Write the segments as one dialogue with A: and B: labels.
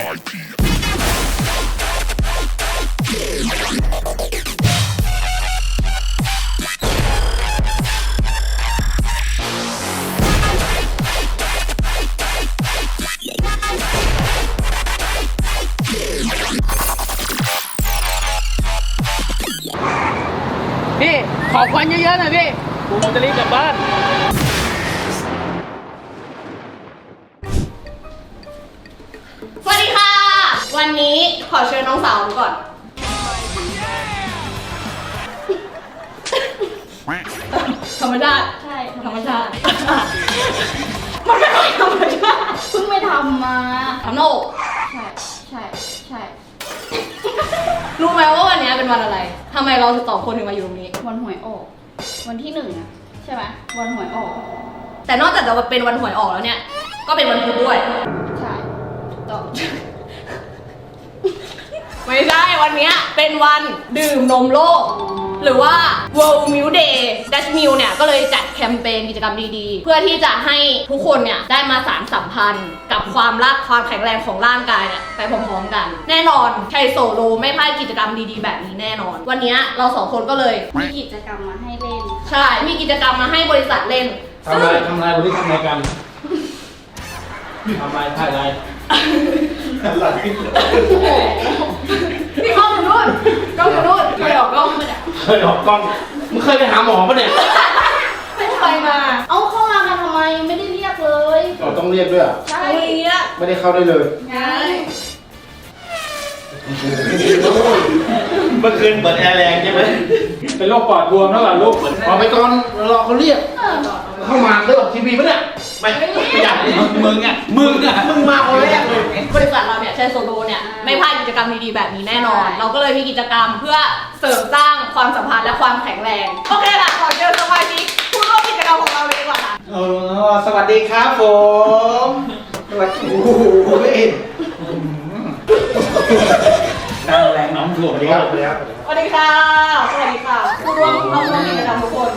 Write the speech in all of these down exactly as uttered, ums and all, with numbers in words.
A: พี่ขอควันเยอะๆหน่อยพี่ผมจะรีบกลับบ้าน
B: สวัสดีค่ะ วันนี้ขอเชิญน้องสาวก่อนธรรมชาติใช่ธรรมชาติมันไม่ค่อยธรรมชาติเพิ่งไปทำมาทำหน้าอกใช่ใช่ใช่รู้ไหมว่าวันนี้เป็นวันอะไรทำไมเราสองคนถึงมาอยู่ตรงนี้วันหวยออกวันที่หนึ่งอะใช่ไหมวันหวยออกแต่นอกจากจะเป็นวันหวยออกแล้วเนี่ยก็เป็นวันพุธด้วยใช่ต่อไม่ใช่วันนี้เป็นวันดื่มนมโลกหรือว่า World Milk Day Dutch Milk เนี่ยก็เลยจัดแคมเปญกิจกรรมดีๆเพื่อที่จะให้ทุกคนเนี่ยได้มาสานสัมพันธ์กับความรักความแข็งแรงของร่างกายเนี่ยไปพร้อมๆกันแน่นอนไทยโซโลไม่พลาดกิจกรรมดีๆแบบนี้แน่นอนวันนี้เราสองคนก็เลยมีกิจกรรมมาให้เล่นใช่มีกิจกรรมมาให้บริษัทเล่น
C: ทำอะไรทำอะไรวันนี้ทำอะไรกันทำอะไรถ่ายอะไรอะไร
B: พี่กล้องอยู่นู่นกล้องอยู่นู่นเคยออกกล้องมาเนี่ย
C: เคยออกกล้องมึงเคยไปหาหมอปะเนี่ย
B: ไม่ไปมาเอาเข้ามากันทำไมไม่ได้เรียกเลย
C: เราต้องเรียกด้วยอ่ะ
B: ใช่เรียก
C: ไม่ได้เข้าได้เลย
B: ใช่
C: เมื่อคืนเปิดแอร์แรงใช่ไหมเป็นโรคปอดบวมแล้วเหรอลูกพอไปก่อนรอเขาเรียกเข้ามาได้ออกทีวีปะเนี่ยไม่ไม่อยากมึงอ่ะมึงอ่ะมึงมาคนแรกเลย
B: บริษัทเราเนี่ยใช้โซโลเนี่ยไม่พลาดกิจกรรมดีๆแบบนี้แน่นอนเราก็เลยมีกิจกรรมเพื่อเสริมสร้างความสัมพันธ์และความแข็งแรงโอเคค่ะขอเชิญสมาชิกผู้ร่วมกิจกรรมของเราเลยดีกว่าค่ะ
C: เออสวัสดีครับผมสวัสดีโอ้โหนั่งแรงน้องถ่วงดีครับ
B: สวัสดีค่ะสวัสดีค่ะผู้ร่วมเข้าร่วมกิจกรรมทุกคน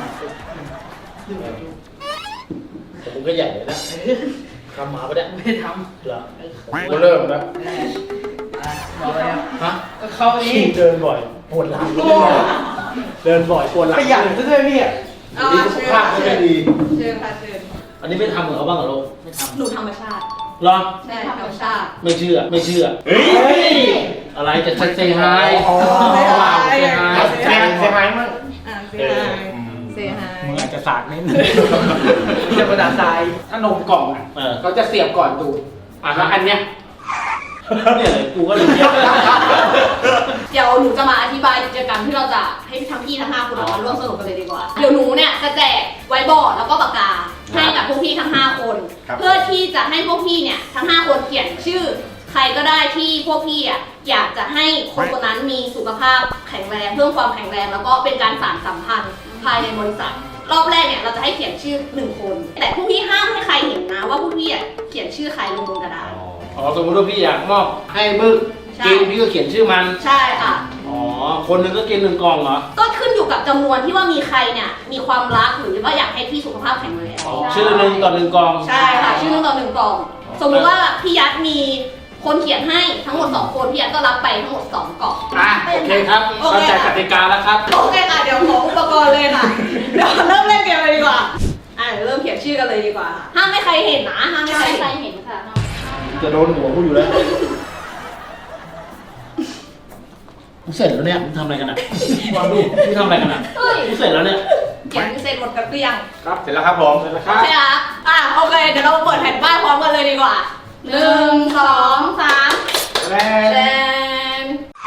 C: ผมก็ใหญ่เลยนะทำหมาปะเนี่ย
A: ไม่ท
C: ำเหรอก็เริ่มแล้ว
A: บอกเลย
C: ฮะ
A: ก็เข้านี้
C: เดินบ่อยปวดหลังเดินบ่อยปวดหลัง
A: ขยันซะด้วยพี่
C: ดีสุขภาพไม่ดี
B: เชิญค่ะเชิญ
C: อันนี้ไม่ทำเหมือนเขาบ้างเหรอลูก
B: ไม่ทำหนูธรรมชาติ
C: หรอ
B: ใช่ธรรมชาติ
C: ไม่เชื่อไม่เชื่อเฮ้ยอะไรจะชัดเซฮาย
B: เซฮาย
C: เซฮายเซฮายมั้ง
B: เซฮายเซฮาย
C: มึงอาจจะสากนิดนึง
A: จะประดาทรายถ้านมกล่องอ่ะเขาจะเสียบก่อนดูอ่ะแล้วอันเนี้ย
C: เนี่ยเลยกูก็เลยเยอะ
B: เดี๋ยวหนูจะมาอธิบายกิจกรรมที่เราจะให้ทั้งพี่ทั้งห้าคนมาร่วมสนุกกันเลยดีกว่าเดี๋ยวหนูเนี่ยจะแจกไวท์บอร์ดแล้วก็ปากกาให้กับพวกพี่ทั้งห้าคนเพื่อที่จะให้พวกพี่เนี่ยทั้งห้าคนเขียนชื่อใครก็ได้ที่พวกพี่อ่ะอยากจะให้คนคนนั้นมีสุขภาพแข็งแรงเพิ่มความแข็งแรงแล้วก็เป็นการสานสัมพันธ์ภายในบริษัทรอบแรกเนี่ยเราจะให้เขียนชื่อหนึ่งคนแต่พวกพี่ห้ามให้ใครเห็นนะว่าพวกพี่อ่ะเขียนชื่อใครลงบนกระดาษ
C: อ๋อสมมติว่าพี่อยากมอบให้บึ้งกินพี่ก็เขียนชื่อมัน
B: ใช่ค่ะ
C: อ๋อคนหนึ่งก็กินหนึ่งกล่องเหรอ
B: ก็ขึ้นอยู่กับจำนวนที่ว่ามีใครเนี่ยมีความรักหรือว่าอยากให้พี่สุขภาพแข็งแรง
C: ชื่อหนึ่งต่อหนึ่งกล่อง
B: ใช่ค่ะชื่อหนึ่งต่อหนึ่งกล่องสมมติว่าพี่ยัดมีคนเขียนให้ทั้งหมดสองคนพี่ยัดก็รับไปทั้งหมดสองกล่อง
C: อ่ะโอเคครับเข้าใจกติกาแล้วครับ
B: โอเคค่ะเดี๋ยวขออุปกรณ์เลยค่ะเดี๋ยวเริ่มเล่นเกมเลยดีกว่าอ่ะเริ่มเขียนชื่อกันเลยดีกว่าห้ามไม่ใครเห็นนะห้ามไม่ใครเห็นค่ะ
C: จะโดนหัวกูอยู่แล้วกูเสร็จแล้วเนี่ยมึงทำอะไรกันอ่ะมึงทำอะไรกันอ่ะกูเสร็จแล้วเนี่ย
B: เขียนเสร็จหมดกันหรือยัง
C: ครับเสร็จแล้วครับผมเสร็จแล้วครับ
B: ใช่ครับอ่ะโอเคเดี๋ยวเราเปิดแผ่นป้ายพร้อมกันเลยดีกว่าหนึ่งสองสาม
C: แลน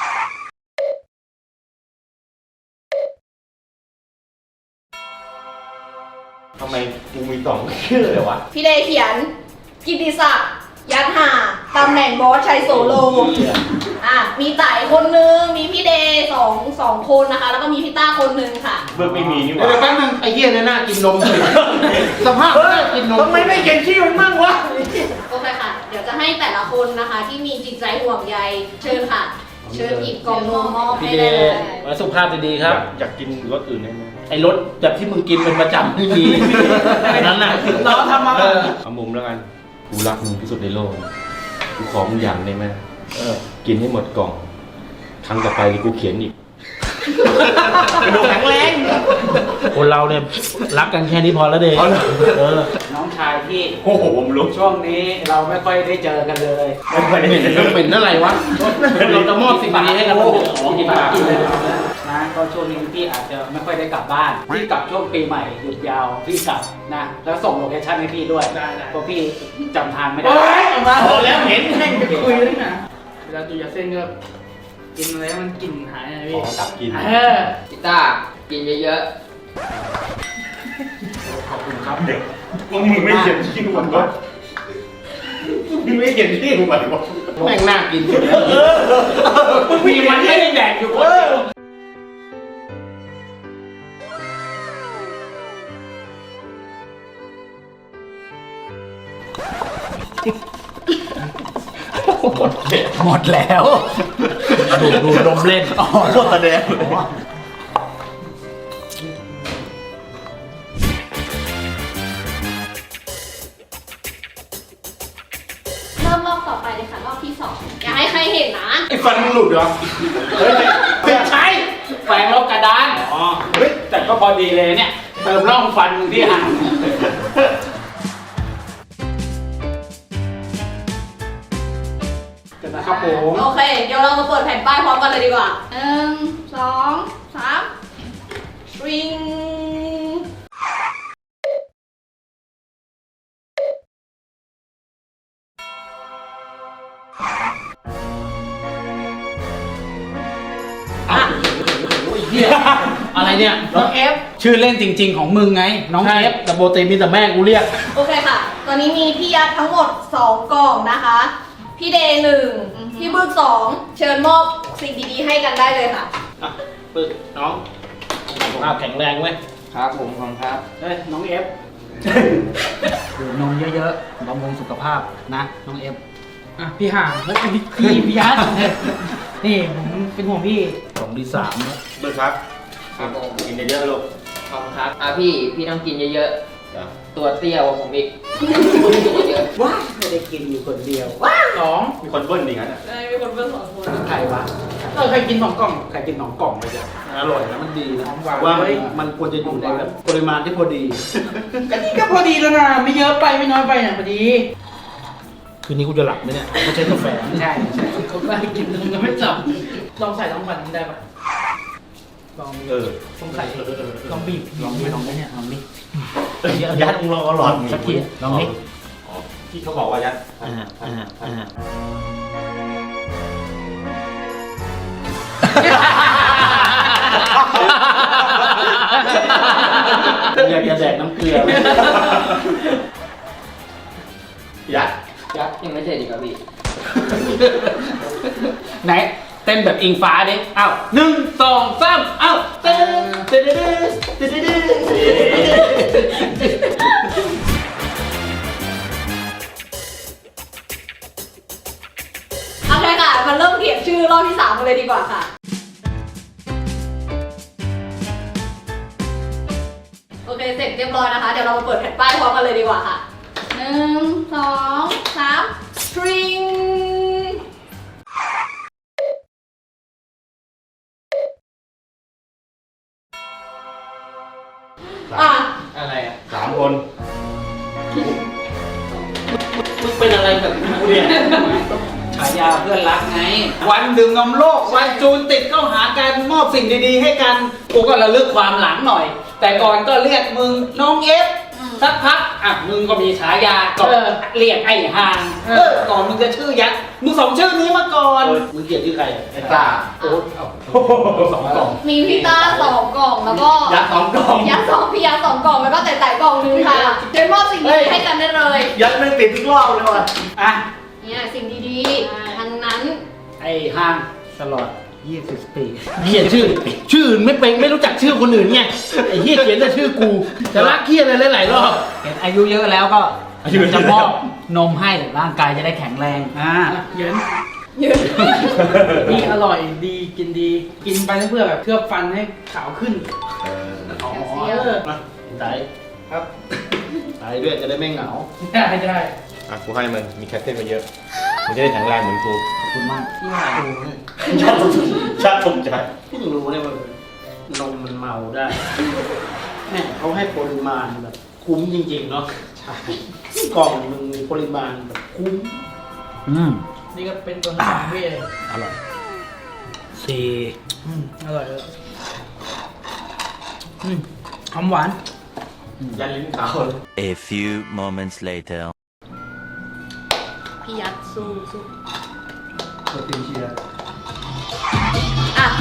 C: ทำไมกูมีสองชื่อเลยวะ
B: พี่เดเขียนกิติศักดิ์ยัดหาตำแหน่งบอสชัยโซโลอ่ะมีไต่คนนึงมีพี่เดย์สองสองคนนะคะแล้วก็มีพี่ต้าคนนึงค่ะ
C: เบิร์กไม่มีนี่หว่าเดี๋ยวแป๊บนึงไอ้เหี้ยเนี่ยน่ากินนมเลยสภาพน่ากินนม
A: ทำไมไม่เขียนชื่อมันมั่งวะ
B: โอเคค่ะเดี๋ยวจะให้แต่ละคนนะคะที่มีจิตใจห่วงใยเชิญค่ะเชิญอีกกล่องนมมอบให้ได้เลย
C: มาสุภาพดีๆครับอยากกินรสอื่นได้ไหมไอ้รสแบบที่มึงกินเป็นประจำไม่มีนั้นน่ะ
A: เราทำมา
C: เอามุมแล้วกันกูรักมึงที่สุดในโลก
D: กูขอมึงอย่างได้ไหมเออกินให้หมดกล่องครั้งต่อไปกูเขียนอีก
C: ดูแข็งแรงคนเราเนี่ยรักกันแค่นี้พอแล้วเด็กเออ
A: น้องชายที่
D: โอ้โหผมรู้
A: ช่วงนี้เราไม่ค่อยได้เจอกันเลย
D: ไม่ค่อยได้
C: เป็นเป็นอะไรวะเราจะมอบสิ่งดีๆให้กัน
A: โอ้โห
C: ของ
A: กิ
C: กิ
A: น
C: น
A: ปา
C: ปาก
A: กินเลยนะก็ช่วงนี้พี่อาจจะไม่ค่อยได้กลับบ้านพี่กลับช่วงปีใหม่หยุดยาวพี่กลับนะแล้วส่งโลเคชั่นให้พี่ด้วยเพราะพี่จำทางไม่ได้
C: พอแล้วเห็นแม่งจะคุยเลยนะ
A: เวลาดูยาเส้นก็กินอะไรให้มันกลิ่นหายนะ
D: ข
A: พี่
D: อกลับกิน
A: เออ
E: กีตาร์กินเยอะ
A: ขอบคุณครับ
D: เด็กมึงไม่เขียนชื่อมันวะมึงไม่เขียนชื่อมันวะ
C: แม่งน่ากิน
A: มีมันไม่ได้แดกอยู่คนเดียว
C: หมดแล้วดูดูลมเล่นอ๋อโคตรแสดงเลย
B: เริ่มรอบต่อไปเลยค่ะรอบที่สองอย่าให้ใครเห็นนะ
C: ไอ้ฟันมึงหลุดเหรอเฮ้ย
A: ไม่ใช่แฝงลบกระดาน
C: อ๋อ
A: เฮ้ยแต่ก็พอดีเลยเนี่ยเติมร่องฟันมึงที่ห่างเดี๋ยวนะครับผม
B: โอเค เดี๋ยวเรามาเปิดแผ่นป้ายพร้อมกันเลยดีกว่าหนึ่งสองสามริงอ่ะ
C: อะไรเนี่ย
A: น้องเอฟชื่อเล่นจริง ๆ ของมึงไง น้อง
C: ใช่
A: เอฟ
C: แต่โบตีมีแต่แม่กูเรียก
B: โอเคค่ะ ตอนนี้มีพี่ยัดทั้งหมดสองกล่องนะคะ พี่เดย์หนึ่งพี่บึกสองเชิญมอบสิ่งดีๆให้กันได้เลยค่ะ
C: อ่ะปึ๊กน้องสุขภาพแข็งแรงเว้ย
E: ๆ ครับผมของครับ
A: เฮ้ยน้องเอฟ
F: ดื่มนมเยอะๆบำรุงสุขภาพนะน้องเอฟอ่ะพี่ห่างแล้วพี่พี่พี่ยัดนี่ผมเป็นห่วงพี่
C: สองที่สามแล้ว
D: เบิร์ครับ
E: ครับผม
D: กินเยอะๆลูก
E: ขอบคุณครับอ่ะพี่ พี่ต้องกินเยอะ
D: จ้ะ
E: ๆ ตัวเตี้ยกว่าผมอีกกินเยอะ
A: ว้าไม่ได้กินอยู่คนเดียวว้าสอง
D: มีคนเบิ้ลอีกงั้นอ่ะ
B: ได้มีคนเพิ่มสองคน
A: ใครวะเออใครกินสองกล่องใครกินสองกล่องเลยจ้ะ
C: อร่อยนะมันดีนะ
A: หวาน
C: ว่า
A: เฮ้ย
C: มันควรจะอยู่ในแบบปริมาณที่พอดี
F: ก็นี่ก็พอดีแล้วนะไม่เยอะไปไม่น้อยไปนะพอดี
C: คืนนี้กูจะหลับไหมเนี่ยไม่ใช่กาแฟ
A: ใช่ใช่
F: เขาไม่ให้กินนมยังไม่จับลองใส่ลองฟันได้ปะลอง
D: เออ
F: ลองใส่ลองบีบลองบีบลองไหมเนี่ยลองดิ
C: ยัดมึงรอหลอด
F: สักทีลองดิ
D: อ๋อที่เขาบอกว่ายัด
C: อ่าอ่าอ่าอยากจะแดกน้ำเกลือ
D: ยัด
A: ยัด
E: ๆยังไม่เสร็จอีกครับพี่
A: ไหนเต้นแบบอิงฟ้าดิอ้าวหนึ่งสองสามอ้าวเต้นเต้นเต้นเต้นเต้นเต้น
B: โอเคค่ะมาเริ่มเขียนชื่อรอบที่สามกันเลยดีกว่าค่ะ โอเค เสร็จเรียบร้อยนะคะ เดี๋ยวเรามาเปิดแผ่นป้ายพร้อมกันเลยดีกว่าค่ะหนึ่งสองสาม string อ่ะ
E: อะไรอ่ะ
D: สามคน
C: มึงเป็นอะไรกับกูเนี่ย
A: ฉายาเพื่อนรักไง วันดื่มนมโลก วันจูนติดเข้าหากันมอบสิ่งดีๆให้กันกูก็ระลึกความหลังหน่อย แต่ก่อนก็เรียกมึงน้องเอฟสักพักอ่ะมึงก็มีฉายาก็เรียกไอ้ห่างเออก่อนมึงจะชื่อยักษ์มึงสองชื่อนี้มาก่อน
C: มึงเกลียดที่ใคร
D: ไอ้ตา
A: โอ้สองกล่อง
B: มีพี่ต้าสองกล่องแล้วก็
D: ยัดสองกล่อง
B: ยัดสองพี่ยัดสองกล่องแล้วก็แต่แต่กล่องนึงค่ะเชิญมอบสิ่งดีๆให้กันได้เลย
D: ยัดไม่ติดทุกรอบเลยว่ะ
A: อ่ะ
B: เนี่ยสิ่งดีๆทั้งนั้น
A: ไอ้ห่าง
F: ตลอดยี่สิบปี
C: เขียนชื่อ ชื่ออื่นไม่เป็นไม่รู้จักชื่อคนอื่นไงไอ้เหี้ยเขียนแต่ชื่อกูแต่รักเหี้ยอะไรหลายๆรอบ
F: เห็นอายุเยอะแล้วก็จะมอบนมให้ร่างกายจะได้แข็งแรงอ่า
A: เย็น
B: ยืน
F: นี่อร่อยดีกินดีกินไปเพื่อแบบเคลือบฟันให้ขาวขึ้น
C: อ๋อมาตายครับตายด้วยจะได้ไม่เหงา
F: ได้ได้
D: อ่ะกูให้มึงมีแคทเทนมาเยอะ
B: อ
D: มันจะได้แข็งแรงเหมือนกู
A: ขอบคุณมาก
F: พี่ห่าง
D: ชาติชาติภูมิใจ
C: เพิ่งรู้เนี่ยว่านมมันเมาได้แม่เขาให้ปริมาณแบบคุ้มจริงๆเนาะใช่กล่องหนึงมีปริมาณแบบคุ้ม
A: อืม
F: นี่ก็เป็นตัวสามพี่เลย
A: อร่อยสี่
F: อืมอร่อยเลยอืมหอมหวาน
D: ยันลิ้นขาวเลย
G: A few moments later.
B: พี่ยัดสู้สู้
D: โปรตีนเชียร์
B: อ่ะ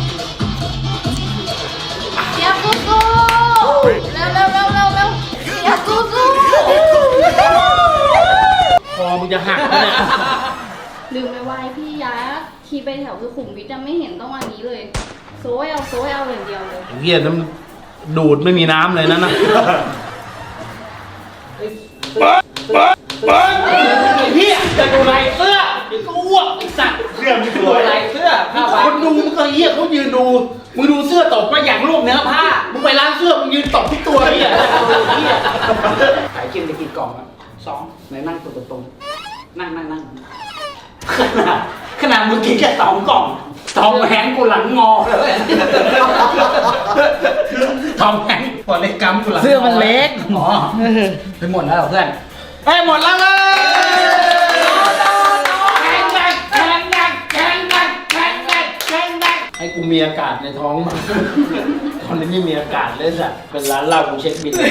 B: พี่ยัดสู้สู้เร็วเร็วเร็วเร็วเร็วพี่ยัดสู้สู้
C: คอมึงจะหักแล้วเนี่ย
B: ลืมไปไว้พี่ยัดขี่ไปแถวสุขุมวิทจะไม่เห็นต้องวันนี้เลยโซยเอาโซยเอาอย่างเดียวเลย
C: เฮียน้ำดูดไม่มีน้ำเลยนั่นนะเฮียจะดูลายเสื้อก็อ้วกไอ้สัตว์
D: เสื้อไม่ส
A: ดู
D: วย
A: ลายเสื้อผ้าใบ
C: คนดูมึงก็เฮียเขายืนดูมึงดูเสื้อตบมาอย่างรูปเนื้อผ้ามึงไปร้านเสื้อมึงยืนตบที่ตัวเฮียเฮีย
A: ขายกินไปกี่กล่องอ่ะสองไหนนั่งตัวตรงๆนั่งนั่งนั่งขนาดขนาดมึงกินแค่สองกล่องทอมแฮงค์กูหลังงอเลยทอมแฮงค์พอเล็กกำกูหลังง
F: เสื้อมันเล็ก
A: อ๋อไปหมดแล้วเหรอเพื่อนไปหมดแล้วเลยแข่งกันแข่งกันแข่งกันแข่งกันแข่งกัน
C: ให้กูมีอากาศในท้องมาตอนนี้ไม่มีอากาศเลยสัตว์เป็นร้านเหล้ากูเช็คบิน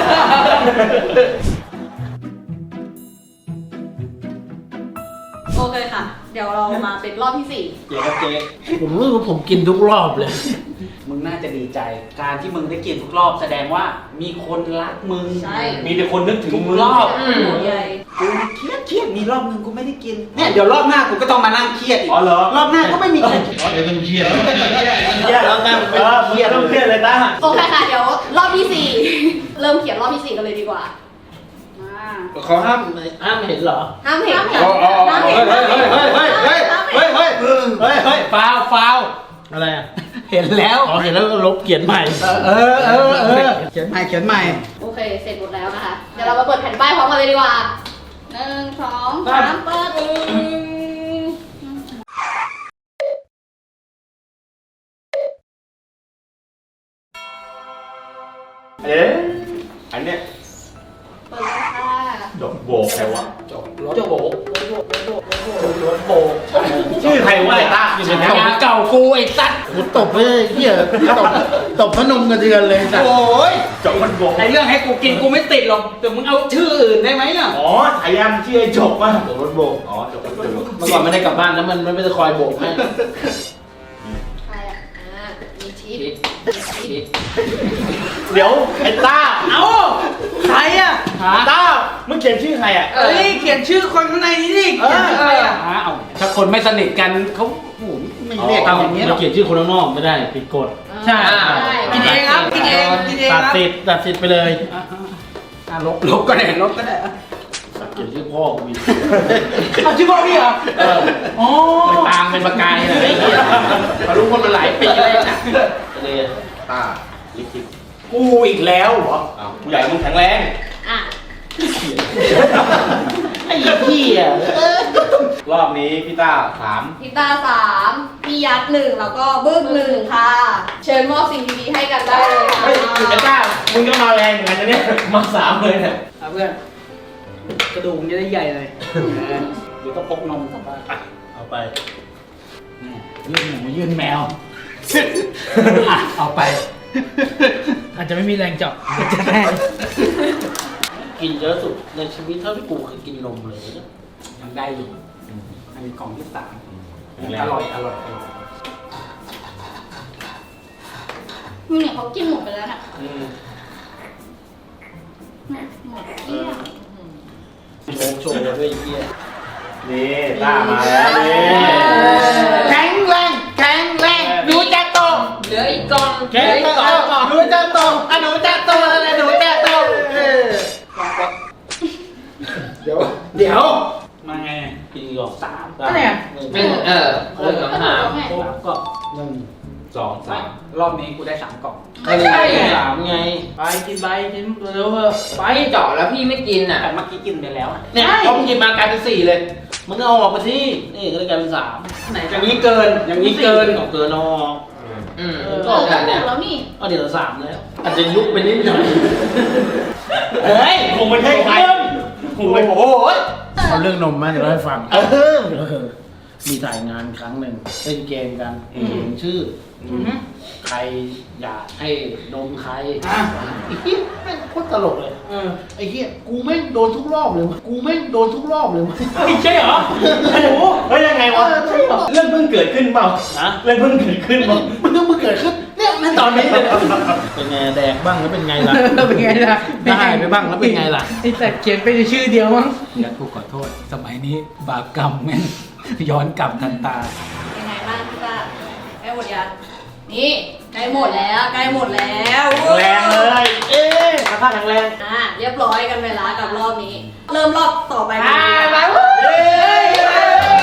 B: โอเคค่ะ เดี๋ยวเรามาเป็นรอบที่สี่
C: เจ๊ครับเจ๊ผมรู้ว่าผมกินทุกรอบเลย
A: มึงน่าจะดีใจ การที่มึงได้กินทุกรอบแสดงว่ามีคนรักมึง
B: ใช่
D: มีแต่คนนึกถึง
A: ทุก
D: มึง
A: รอบ
B: อืมใหญ่
A: กูเครียดเครียดมีรอบนึงกูไม่ได้กินเนี่ยเดี๋ยวรอบหน้ากูก็ต้องมานั่งเครียดอีก
D: อ๋อเหรอ
A: รอบหน้าก็ไม่มีใคร
C: อ๋อเดี๋ยวต้องเครียด
D: เครียดแล้วนะเออมึงต้องเครียดเลยนะ
B: โอเคค่ะ เดี๋ยวรอบที่สี่ เริ่มเขียนรอบที่สี่กันเลยดีกว่ามา
C: เขาห้ามห้ามเห็นเหรอ
B: ห้ามเห็นห้ามเห็น
A: อ๋ออ๋ออ๋อ
B: ห้าม
A: เฮ้
B: เห็
A: ย
B: น
A: เฮ้ยเฮ้ยเฮ้ยเฮ้ยเฮ้ยเฮ้ยเฮ้ยเฮ้ยเฮ้ยฟาวฟาว
C: อะไรอ่ะ
A: เห็นแล้ว
C: อ๋อเห็นแล้วก็ลบเขียนใหม่
A: เออเออเออเขียนใหม่เขียนใหม่
B: โอเค เสร็จหมดแล้วนะคะ เดี๋ยวเรามาเปิดแผ่นป้ายพร้อมกันเลยดีกว่าหนึ่งสองสามเปิด
D: เอ๊ะอันเนี้ย
B: เปิดเลยค่ะ
D: ดอกโบกใครวะ
A: จบรถโบกรถโบก
D: ชื่อใครวะไอ้ต้า
A: ฉายาเก่ากูไอ้สัตว์
C: กูตบเลยเฮียตบตบพนมกระเดือนเลยสัตว์
A: โอ้ย
D: จบมันโบก
A: ไอเรื่องให้กูกินกูไม่ติดหรอกแต่มึงเอาชื่ออื่นได้ไหมอ่ะ
D: อ๋อฉายามันชื่อไอ้จบป่ะจบรถโบกอ๋อจบรถโบก
C: เมื่อก่อนไม่ได้กลับบ้านแล้วมันมันไม่ได้คอยโบกให้
B: ใครอ่ะอ่ามีชีส
E: ชิดชิด
D: เดี๋ยวไอ้ต้า
A: เอ้าใครอ่ะ
D: ต้ามึงเขียนชื่อใครอ่ะ
A: เอ้ยเขียนชื่อคนข้างในนี่ดิเขียนชื่อใครอ่ะอ้าวถ้าคนไม่สนิทกันเขาโอ้โหไม่เรียกกันอย่างนี้หร
C: เรา
A: อก
C: เขียนชื่อคนข้างนอกไม่ได้ผิดกฎ
A: ใช่
B: อ่า
A: กินเองครับกินเองกินเองค
C: ตั
A: รั
C: ด
A: บ
C: สิทธิ์ตัดสิทธิ์ไปเลย
A: อ่ะอ่ะลบลบก็ได้ลบก็ได้อ่ะ
C: เขียนชื่อพ่อกูมี
A: เอาชื่อพ่อพี่เหรอ
C: เออ
A: อ๋อ
C: ไปตามเป็นประกายเลยไอ้เหี้ยมารู้คนมาหลายปีเลยนะเลย
D: ต้าลิขิต
A: กูอีกแล้วเหรอ
D: อ้าวผู้ใหญ่มึงแข็งแรง
B: อ่ะ
C: ไอ้เหี้ย
D: รอบนี้พี่ต้าสาม
B: พี่ตาสามพี่ยัดหนึ่งแล้วก็บึ้งหนึ่งค่ะ เชิญมอบสิ่งดีๆให้กันได้เลยค่ะ
D: เฮ้ยไอ้ต้ามึงก็มาแรงเหมือนกันนะเนี่ยมาสามเลยเนี่ย
A: เอาเพื่อนกระดูกมันจะได้ใหญ่เลยเดี๋ยวต้องพกนมกลับบ้าน
C: อ่ะเอาไป
A: ยื่นหมูยื่นแมวอ่ะเอาไป
F: อาจจะไม่มีแรงเจาะจะได้
C: กินเยอะสุดในชีวิตเท่าที่กูเคยกินนมเลยนะ
A: ยังได้อยู่อันนี้กล่องที่สาม
D: แข็งแรง
A: อร่อยอร่อยอร่อย
B: มึงเนี่ยเขากินหมดไปแล้วน่ะ
D: อืม
B: หมดเกลี้ยง
C: โชว์โชว์ด้วยไอ้เหี้ย
D: นี่ต้ามาแล้วนี่
A: แข็งแรงแข็งแรงหนูจะโต
E: เหลืออีกกล่องเห
A: แข็
E: ลื
A: ง
E: ออีก
A: แร
E: กล่อง
A: งหนูจะโตอ่ะหนูจะโตอะไรหนูจะโตเออเดี๋ยวเดี๋ยวมาไง
C: กินก่อนสาม
A: ก็เนี่ย
E: เป็นเออเรื่องคำถาม
C: ครบก็หนึ่งสองสาม
A: รอบนี้กูได้สามกล่อง
C: ไม่ใช่สามไงไปกินไปกินเร็วๆเถอะไป
E: พี่เจาะแล้วพี่ไม่กินอ่ะ
A: แต่เมื่อกี้กินไปแล้วอะ
C: เนี่ยพอมึงกินมากลายเป็นสี่เลยมึงเอาออกมาที่นี่ก็เลยกลายเป็นสาม
F: ไหน
A: อย่างนี้เกินอย่างนี้เกิน
C: เอาเกินเอาออก
E: อืม
B: เอ
E: ก็
B: อ
E: ได้
B: ถู
E: เนี่ย
B: กแล้วนี่
C: เอาเดี๋ยวสามแล้วอาจจะยุบไปนิดหน่อย
A: เฮ้ย
D: คงไม่ใช่ใครคงไม่
A: โอ้โห
C: เอาเรื่องนมมาเดี๋ยวเล่าให้ฟัง
A: เออ
C: เออมีถ่ายงานครั้งหนึ่งเล่นเกมกันเขียนชื่ออใครอยากให้นมใคร
F: อ่ะ
C: ไอ้เหี้ยแม่งโคตรตลกเลย
F: เออ
C: ไอ้เหี้ยกูแม่งโดนทุกรอบเลยวะกูแม่งโดนทุกรอบเลยวะ
F: ไม่ใช่เหรอโอ้โห
D: เฮ้ยยังไงวะ
C: เออใช่เหรอ
D: เรื่องเพิ่งเกิดขึ้นเปล่า
C: นะ
D: เรื่องเพิ่งเกิดขึ้นเปล่า
C: มันต้องมาเกิดขึ้นเนี่ยในตอนนี้เลยนะเป็นไงแดกบ้างแล้วเป็นไงล่ะ
F: แล้วเป็นไงล่ะ
C: ได้ไปบ้างแล้วเป็นไงล่ะ
F: ไอ้แต่เขียนไปในชื่อเดียวมั้งอย่ากูขอโทษ สมัยนี้บาปกรรมแม่งย้อนกลับทันตา
B: ยังไงบ้างพี่ต้าใกล้หมดยังนี่ใกล้หมดแล้วใกล้หมดแล้ว
D: แรงเลย เอ๊ะกระทะแข็งแรง
B: อ่ะเรียบร้อยกันไปแล้วกับรอบนี้ เริ่มรอบต่อไป
F: ไป
B: กันเลย
F: ไป
D: เอ๊ะ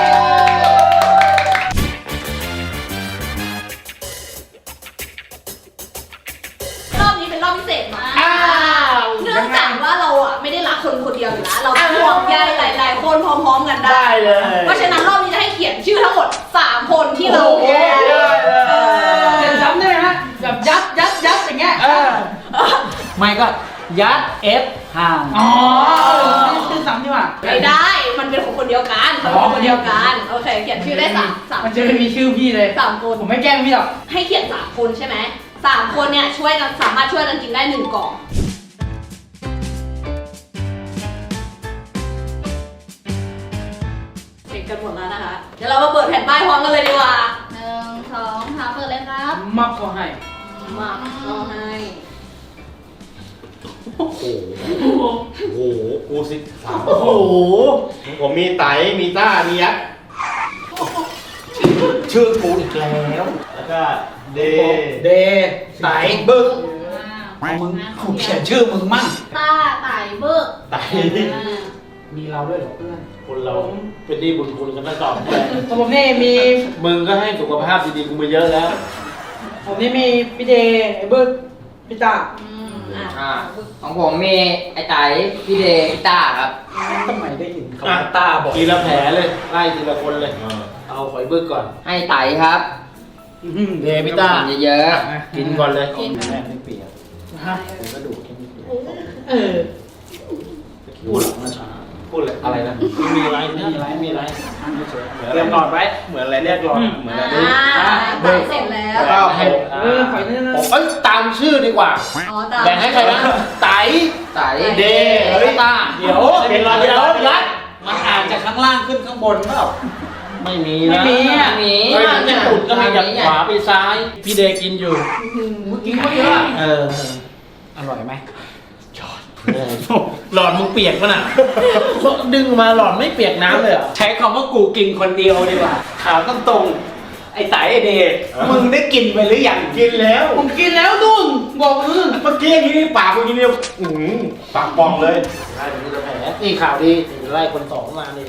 B: รอบนี้เป็นรอบพิเศษมากเนื่องจากว่าเราอ่ะไม่ได้รักคนคนเดียวอยู่แล้วเราห่วงใยหลาย ๆ คนพร้อม ๆ กันได้
D: ได้เลย
B: เพราะฉะนั้นรอบนี้จะให้เขียนชื่อทั้งหมดสามคนที่เรา
D: โอ้โห
B: เออ
F: เขียนซ้ำได้ไหมฮะแบบยัดยัดยัดอย่างเงี้ย
A: เออไม่ก็ยัดเอฟห่าง
F: อ๋อไม่ชื่อซ้ำดีกว่า
B: ไม่ได้ มันเป็นของคนเดียวกันมันเป็นคนเดียวกัน โอเค เขียนชื่อได้สามสาม
F: มันจะไม่มีชื่อพี่เลย
B: สามคน
F: ผมไม่แกล้งพี่หรอก
B: ให้เขียนสามคนใช่ไหมสามคนเนี่ยช่วยกันสามารถช่วยกันกินได้หนึ่งกล่อง เสร็จกันหมดแล้วนะคะ เดี๋ยวเรามาเปิดแผ่นป้ายพร้อมกันเลยดีกว่าหนึ่งสองสามเปิดเลยครับ
F: มักก็ให้
B: มาเราให้
D: โอ้โห โอ้โห กูสิสามโอ้โห ผมมีไต มีต้า มียักษ์
C: ชื่อกูอีกแล้ว
D: แล้วก็เด
C: เดไตบึ้ง
B: อ่า
A: มึงกูเขียนชื่อมึงมั่ง
B: ต้าไต่เบิก
D: ไต
B: อ่า
F: มีเราด้วยเหรอเพื่อน
C: คนเราเป็นหนี้บุญคุณกันตั้งแต่
F: ของผมนี่มี
C: มึงก็ให้สุขภาพดีๆกูมาเยอะแล้ว
F: ผมนี่มีพี่เดย์ไอ้เบิร์ดพี่ตา
B: อืมอ่ะ
E: อ่าของผมมีไอ้ไตพี่เดย์พี่ต้าครับ
A: ทำไมได้ยินคำว่าตาบอก
C: ทีละแผลเลย ไล่ทีละคนเลย เอาหอยเบิกก่อน
E: ให้ไตครับ
C: เดพิต้า
E: กินเยอะ
C: กินก่อนเลย
B: กิน
C: แม่ไม่เปียก
F: ฮะ
C: ผมกระดูกแค่นิดเดียว
F: เออ
C: พูดหลังมาช้า
D: พูดเลย
C: อะไรนะไม่มีอะไรไม่มีอะไรไม่มีอะไร
A: เตรียมหลอดไว้
D: เหมือนอะไรเรียกหลอดเหมือนอะไร
B: อ่าไต่เสร็จแล้ว
C: แล้วก็ให้
F: เออขอยนี่นะ
C: ผมเอ้ยตามชื่อดีกว่า
B: อ๋อตาม
C: แบ่งให้ใครนะไต
E: ไต
C: เด
A: เฮ้ย
C: ต้า
A: เดี๋ยว
C: เป็นรอย
A: เดี๋ยว
C: ยั
A: ยั
C: ด
A: ดมันอ่านจากข้างล่างขึ้นข้างบนเปล่า
C: ไม่มี
F: ไม่
C: นะ
F: มีอ่ะ
E: มี
C: เฮ้ยมันจะตุดก็มีจากขวาไปซ้าย พี่เดกินอยู่
F: เมื่อกี้เขาเยอะ
C: เออ
A: อร่อยไหม
C: หลอดมึงเปียกปะน่ะ ดึงมาหลอดไม่เปียกน้ำเลยเหรอ
A: ใช้คำว่ากูกินคนเดียวดีกว่าถามตรงๆไอ้ไตไอเดชมึงได้กินไปหรือยัง
D: กินแล้ว
F: ผมกินแล้วนุ่นบอกมึง
D: เมื่อกี้อย่างนี้ปากเมื่อกี้เนี่ยอื้อหือปากปองเลย
C: ไล่เป็นแผลนี่ข่าวดีไล่คนสองมานี่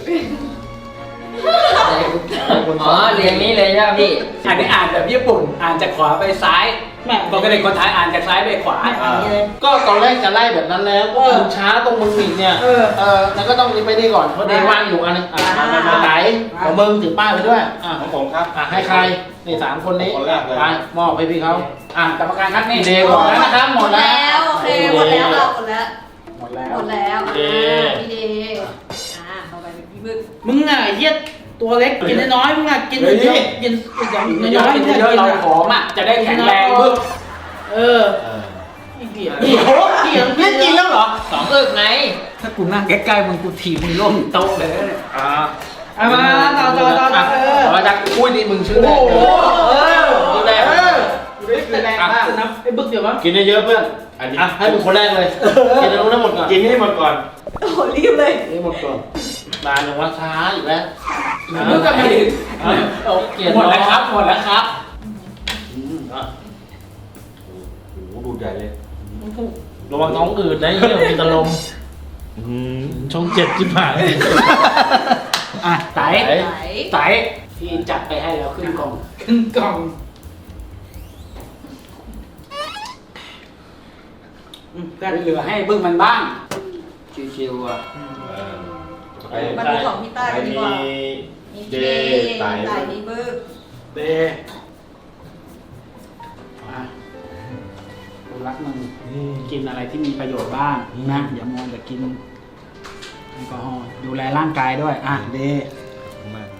E: อ๋อเรียงนี้เลยใช่ไหมพี่
A: อันนี้อ่านแบบญี่ปุ่น อ่านจากขวาไปซ้ายแม่ปกติคนไทยอ่านจากซ้ายไปขวาอย่างนี้เลย
C: ก็ตอนแรกจะไล่แบบนั้นแล้วก็มึงช้าตรงมึงอีกเนี่ย
F: เออ
C: เออแล้วก็ต้องรีบไปนี่ก่อน เพราะเดย์ว่างอยู่อันนึงอ่ะมามาไหนของมึงถือป้ายไปด้วย อ่ะ
D: ของผมครับ
C: อ่ะให้ใคร นี่สามคนนี้
D: คนแรกเลย
C: ไปมอบให้พี่เขาอ่ะ
A: กรรมการครับนี่
C: เดย์หมดแล้วนะครับหมดแล้ว
B: โอเคหมดแล้วเราหมดแล้ว
A: หมดแล้ว
B: หมดแล้ว
C: เด
B: อ่าพี่เดย์อ่าต่อไปเป็นพี่บึก
F: มึงอ่ะไอ้เหี้ยตัวเล็กกินน้อยๆมึงอ่ะกิน
A: เฮ้ย
F: เยอะกินอย่าง
A: เย
F: น้
A: อะ
F: อยๆ
A: กิน
F: มึง
A: เยอะ
F: กิน
A: เรา
F: อ่ะ
A: ผอมอ่ะ จะได้แข็งแรงบึ้ง
F: เออ
D: เออ
F: ไอ้เหี้ยนี่โหเหี้ย
A: เล่นจริงแล้วเหรอ
E: สองอึกไง
A: ถ้ากูนั่งใกล้ๆมึงกูถีบมึงล่มโต๊ะเลยนะเนี่ย
C: อ่า
F: เอามาต่อต่อต่อต่อเออ
C: ต่อจากอุ้ยนี่มึงชื่อ
F: โอ้
C: แรก
F: โห
C: เลยชื่อแรก
F: เออคือแรงมากนะไอ้บึกเดี๋ยววะ
C: กินเยอะๆเพื่อน
D: อันนี้
C: อ่ะให้มึงคนแรกเลย กินให้รู้ทั้งหมดก่อน
D: กินให้หมดก่อน
B: โอ้โหรีบเลย
C: ให้หมดก่อนนานอย่างว่าช้าอีกแล้ว
A: มึงก็ไม่ถึง
C: เอาเกียรติ
A: หมดแล้วครับ หมดแล้วครับ
C: อืมอ่ะ
D: โอ้โหดูดใหญ่เลย
C: ระวังท้องอืดนะเยี่ยมีตะลม
D: อืม
C: ช่องเจ็ดจิบหาย
A: อ่ะไต
C: ไต
B: ไหน
A: ไตพี่จัดไปให้แล้วครึ่งกล่อง
F: ขึ้นกล่อง
A: ก็เหลือให้บึ้งมันบ้าง
E: ชิวๆอ่ะ
D: เออ
C: เ
D: ไป
B: มาดูของพี่ต้ากันดีกว่า
D: มี
B: มี
D: เด
B: เด
D: ไต
B: ไต่มีบึก
A: เดอ่ะกูรักมึงกินอะไรที่มีประโยชน์บ้างนะอย่ามัวแต่กินแอลกอฮอล์ดูแลร่างกายด้วยอ่ะเด
D: มาก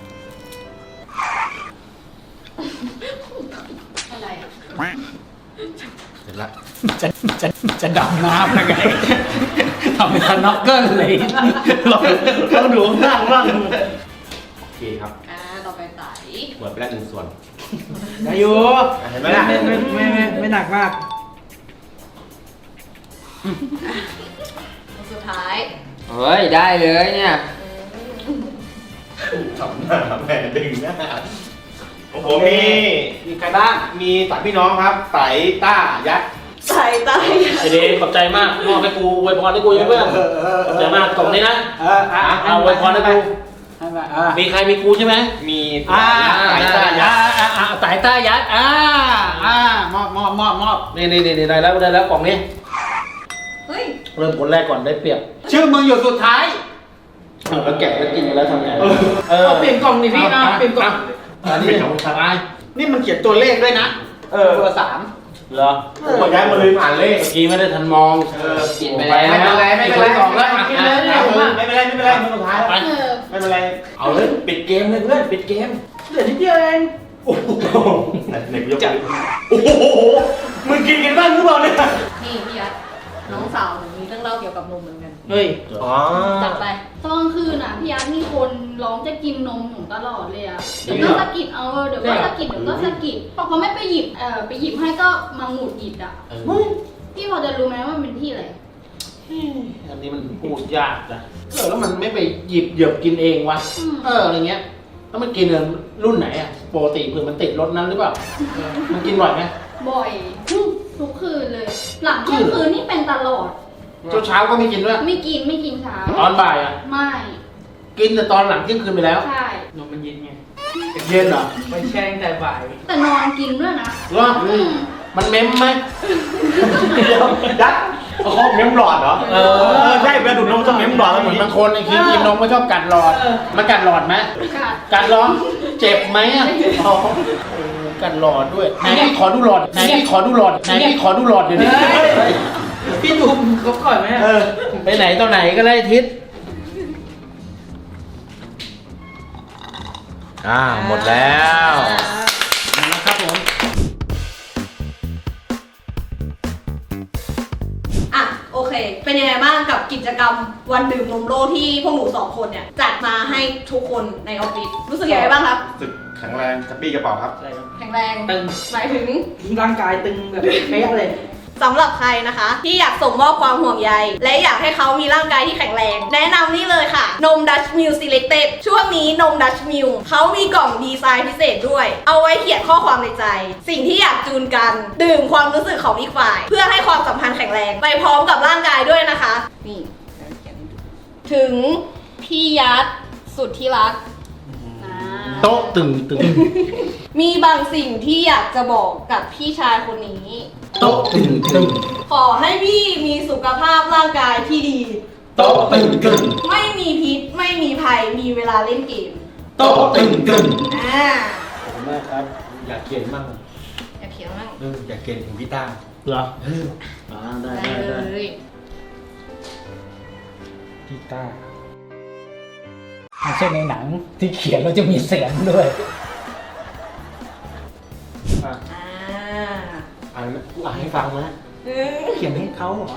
B: อะไรอ่ะ
D: เสร็จละ
A: จะจะจะดำน้ำยังไงทำเป็นสน็อกเกิลเลย
D: ลองลองดูข้างล่างบ้างโอเคครับ
B: อ่าต่อไปไต่
D: หมดไปแล้วหนึ่งส่วน
F: ได้อยู่
D: เห็นไหมล่ะ
F: ไม่ไม่ไม่ไม่ไม่หนักมาก
B: คนสุดท้าย
E: เฮ้ย ได้เลยเนี่ย
D: ทำหน้าแม่ดึงหน้าของผมมี
A: มีใครบ้าง
D: มีสามพี่น้องครับไตต้ายัด
B: ไต่ไต่
C: ไอเดย์ขอบใจมากมอบให้กูอวยพรให้กูเพื่อนขอบใจมากกล่องนี้นะ
A: เอออ่ะ
C: เอาอวยพรให้กู
A: ให้มาอ่ะ
C: มีใครมีกูใช่ไหม
D: มี
A: อ่า
D: ไตต้ายั
A: อ่า
D: ด
A: อ่าอ่าสายต้ายัดอ่าอ่ามอบมอบมอบมอบ
C: นี่นี่นี่ได้แล้วได้แล้วกล่องนี้
B: เฮ้ย
C: เริ่มคนแรกก่อนได้เปรียบ
A: ชื่อมึงอยู่สุดท้าย
C: เอาแล้วแกะแล้วกินไปแล้วทำไงเออ
F: เอาเปลี่ยนกล่องดิพี่อ่ะเปลี่ยนกล่อง
C: อันนี้ของสบาย
A: นี่มันเขียนตัวเลขด้วยนะ
C: เออ
A: ตัวสาม
C: เหรอ
D: ผมก็ย้ายมาลืมอ่านเลข
C: เมื่อกี้ไม่ได้ทันมอง
D: เออ
E: กินไปแล้ว
D: ไม่เป็นไรไม่เป็นไร
C: กล่องแล้วอ่ะ
D: ไม่เป็นไรไม่เป็นไรไม่เป็นไรมือสุดท้าย
C: ไป
B: เออ
D: ไม่เป็นไร
C: เอาเลยปิดเกมเลยเพื่อนปิดเกม
F: เหลือนิดเดียวเอง
D: โอ้โหไหนไหนกูยกมือโอ้โหมึงกินกันบ้างหรือเปล่าเนี่ย
B: นี่พี่ยัดน้องสาวหนูมีเรื่องเล่าเกี่ยวกับนมเหมือนกัน
F: เฮ้ย
D: อ๋อ
B: จัดไป
H: ตอนกลางคืนอ่ะพี่ยัดมีคนร้องจะกินนมหนูตลอดเลยอ่ะเดี๋ยวก็สะกิดเอาเดี๋ยวก็สะกิดเดี๋ยวก็สะกิดพอเขาไม่ไปหยิบเอ่อไปหยิบให้ก็มาหงุดหงิดอ่ะ
C: เฮ้ย
H: พี่พอจะรู้ไหมว่ามันเป็นที่อะไร
C: อันนี้มันพูดยากนะเออแล้วมันไม่ไปหยิบเหยียบกินเองวะ
H: อืม
C: เอออะไรเงี้ยแล้วมันกินรุ่นไหนอ่ะปกติเผื่อมันติดรถนั้นหรือเปล่าเออมันกินบ่อยไหม
H: บ่อยทุกคืนเลย หลังเที่ยงคืนนี่เป็นตลอด
C: เช้าเช้าๆก็ไม่กินด้วย
H: ไม่กินไม่กินเช้า
C: ตอนบ่ายอ่ะ
H: ไม่
C: กินแต่ตอนหลังเที่ยงคืนไปแล้ว
H: ใช่
F: นมมันเย็นไง
C: เย็นเหรอ
F: ไปแช่ตั้งแต่บ่าย
H: แต่นอนกินด้วยนะ
C: เหรอ
H: อืม
C: มันเม้มไหม
D: เดี๋ยวยัดเอาเขาเม้มหลอดเหรอ
C: เออ
D: ใช่เวลาดูดนมต้องเม้มหลอด
C: เหมือนบางคนไอ้คิงกินนมก็ชอบกัดหลอด มันกัดหลอดไหม
H: กัด
C: กัดหลอดเจ็บไหมอ่ะอ๋อเออกัดหลอดด้วยไหนพี่ขอดูหลอดไหนพี่ขอดูหลอดไหนพี่ขอดูหลอดเดี๋ยวนี้
F: พี่ดูเขาก่อนไหม
C: เออไปไหนตอนไหนก็ได้ทิศ
D: อ่าหมดแล้ว
A: นะครับผม
B: อ่ะโอเค เป็นยังไงบ้างกับกิจกรรมวันดื่มนมโลกที่พวกหนูสองคนเนี่ยจัดมาให้ทุกคนในออฟฟิศรู้สึกยังไงบ้างครับ
D: รู้สึกแข็งแรงกระปี้กระเป๋าครับ
B: แข็งแรง
F: ตึง
B: หมายถึง
F: ร่างกายตึงแบบเป๊ะเลย
B: สำหรับใครนะคะ ที่อยากส่งมอบความห่วงใยและอยากให้เขามีร่างกายที่แข็งแรง แนะนำนี่เลยค่ะ นม Dutch Mill Selected ช่วงนี้นม Dutch Mill เขามีกล่องดีไซน์พิเศษด้วย เอาไว้เขียนข้อความในใจ สิ่งที่อยากจูนกัน ดื่มความรู้สึกของอีกฝ่าย เพื่อให้ความสัมพันธ์แข็งแรง ไปพร้อมกับร่างกายด้วยนะคะ นี่เขียนให้ดูถึงพี่ยัดสุดที่รักอ่า
C: โต๊ะตึงตึง
B: มีบางสิ่งที่อยากจะบอกกับพี่ชายคนนี้
C: โต๊ะตึงตึง
B: ขอให้พี่มีสุขภาพร่างกายที่ดี
C: โต๊ะตึงตึง
B: ไม่มีพิษ ไม่มีภัย มีเวลาเล่นเกม
C: โต๊ะตึงตึง
B: อ่า
C: ขอบคุณมากครับ อยากเขียนมั่ง
B: อยากเขียนบ้าง
D: เอออยากเกณฑ์ถึงพี่ต้า
C: เหรออ่าได้
B: ได้
C: ได้
B: เล
C: ได้
B: ย
C: พี่ต้า
A: ไม่ใช่ในหนังที่เขียนแล้วจะมีเสียงด้วย
C: อ่ะ
B: อ่า
C: อ่านอ่านให้ฟังนะ
B: เออ
F: เขียนให้เขาเหรอ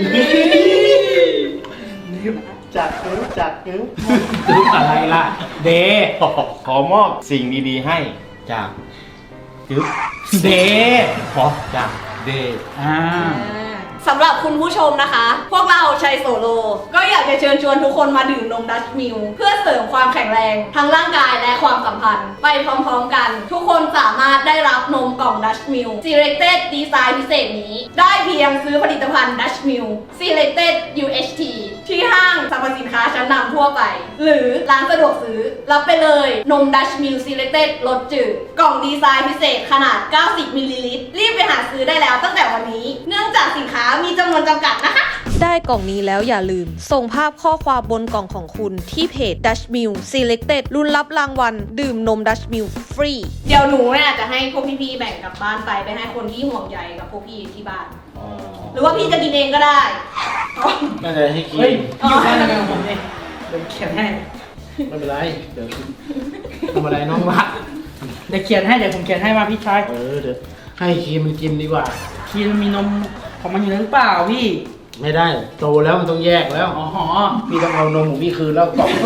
D: จัดนิ้วจัดนิ้ว
A: รู้อะไรล่ะ เด
D: ขอมอบสิ่งดีๆให้จากจึ๊บ
A: เด
D: ขอจากเดย์
A: อ่า
B: สำหรับคุณผู้ชมนะคะ พวกเราชัยโซโล ก็อยากจะเชิญชวนทุกคนมาดื่มนมดัชมิลเพื่อเสริมความแข็งแรงทั้งร่างกายและความสัมพันธ์ ไปพร้อมๆกัน ทุกคนสามารถได้รับนมกล่องดัชมิล Selected Design พิเศษนี้ ได้เพียงซื้อผลิตภัณฑ์ดัชมิล Selected ยู เอช ที ที่ห้างสรรพสินค้าชั้นนำทั่วไป หรือร้านสะดวกซื้อ รับไปเลยนมดัชมิล Selected รสจืดกล่องดีไซน์พิเศษขนาด เก้าสิบมิลลิลิตร รีบไปหาซื้อได้แล้วตั้งแต่วันนี้ เนื่องจากสินค้ามีจำนวนจำกัดนะคะ
I: ได้กล่องนี้แล้วอย่าลืม ส่งภาพข้อความบนกล่องของคุณที่เพจ Dutch Mill Selected รุ่นรับรางวัลดื่มนม Dutch Mill ฟรี
B: เดี๋ยวหนูเนี่ยจะให้พวกพี่ๆแบ่งกลับบ้านไปไปให้คนที่ห่วงใยกับพวกพี่ที่บ้าน หรือว่าพี่จะกินเองก็ได้
C: น่าจะให้กิน
F: เฮ้ยพี่อยู่ข้างกันผมเนี่ยเดี๋ยวเขียนให้
C: ไม่เป็นไรเดี๋ยวทำอะไรน้องรัก
F: เดี๋ยวเขียนให้เดี๋ยวผมเขียนให้มาพี่ชาย
C: เออเดี๋ยวให้ครีมมันกินดีกว่า
F: คีมันมีนมของมันอยู่แล้วหรือเปล่าพี่
C: ไม่ได้โตแล้วมันต้องแยกแล้ว
F: อ๋อ
C: พี่ต้องเอานมของพี่คืนแล้วกล่อง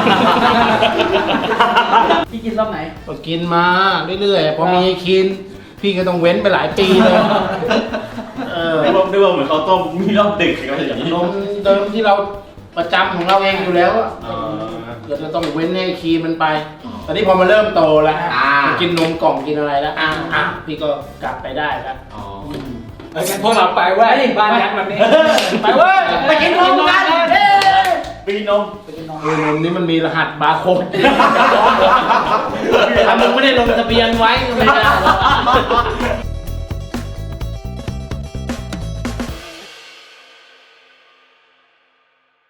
F: พี่กินรอบไหน
C: ก็กินมาเรื่อยๆพอมีกิน พี่ก็ต้องเว้นไปหลายปีเลยเออ
D: นึกว่านึกว่าเหมือนเขาวต้มมีรอบดึกอะไรอย่างนี้
C: นมเดิมที่เราประจำของเราเองอยู่แล้วอะ
D: อ๋อ
C: เดี๋ยวเราต้องเว้นให้ครีมมันไป ตอนนี้พอมาเริ่มโตแล้ว
D: อ่า
C: กินนมกล่องกินอะไรแล้วอ่ะอ่ะพี่ก็กลับไปได้แล้ว
D: อ๋อ
A: เอ้ยงั้นพวกเราไปเว้ยบ้านยักษ์แบบนี้ ไปเว้ย
F: ไปกินนมกัน
D: ปีนม
C: เออนมนี้มันมีรหัสบาร์โค้ดถ้ามึงไม่ได้ลงทะเบียนไว้ก็ไม่ได้หรอก